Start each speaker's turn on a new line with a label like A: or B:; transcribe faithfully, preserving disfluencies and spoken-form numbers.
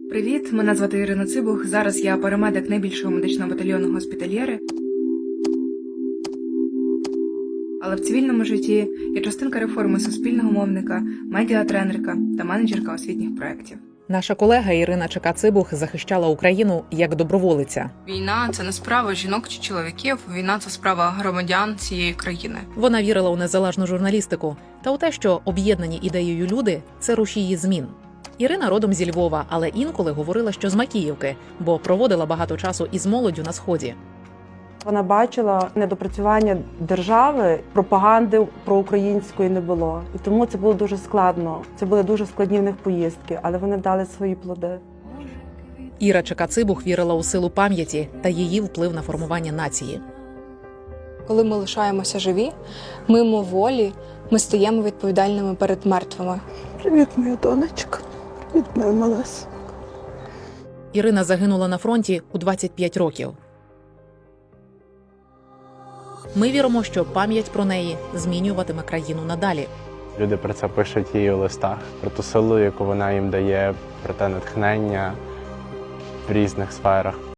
A: Привіт, мене звати Ірина Цибух. Зараз я парамедик найбільшого медичного батальйону «Госпітальєри». Але в цивільному житті я частинка реформи суспільного мовника, медіатренерка та менеджерка освітніх проєктів.
B: Наша колега Ірина Чека-Цибух захищала Україну як доброволиця.
C: Війна – це не справа жінок чи чоловіків, війна – це справа громадян цієї країни.
B: Вона вірила у незалежну журналістику та у те, що об'єднані ідеєю люди – це рушії змін. Ірина родом зі Львова, але інколи говорила, що з Макіївки, бо проводила багато часу із молоддю на Сході.
D: Вона бачила недопрацювання держави, пропаганди проукраїнської не було. І тому це було дуже складно. Це були дуже складні в них поїздки, але вони дали свої плоди.
B: Іра Чека-Цибух вірила у силу пам'яті та її вплив на формування нації.
E: Коли ми лишаємося живі, мимо волі, ми стаємо відповідальними перед мертвими.
F: Привіт, моя донечка. Привіт, моя малесенька.
B: Ірина загинула на фронті у двадцять п'ять років. Ми віримо, що пам'ять про неї змінюватиме країну надалі.
G: Люди про це пишуть її у листах, про ту силу, яку вона їм дає, про те натхнення в різних сферах.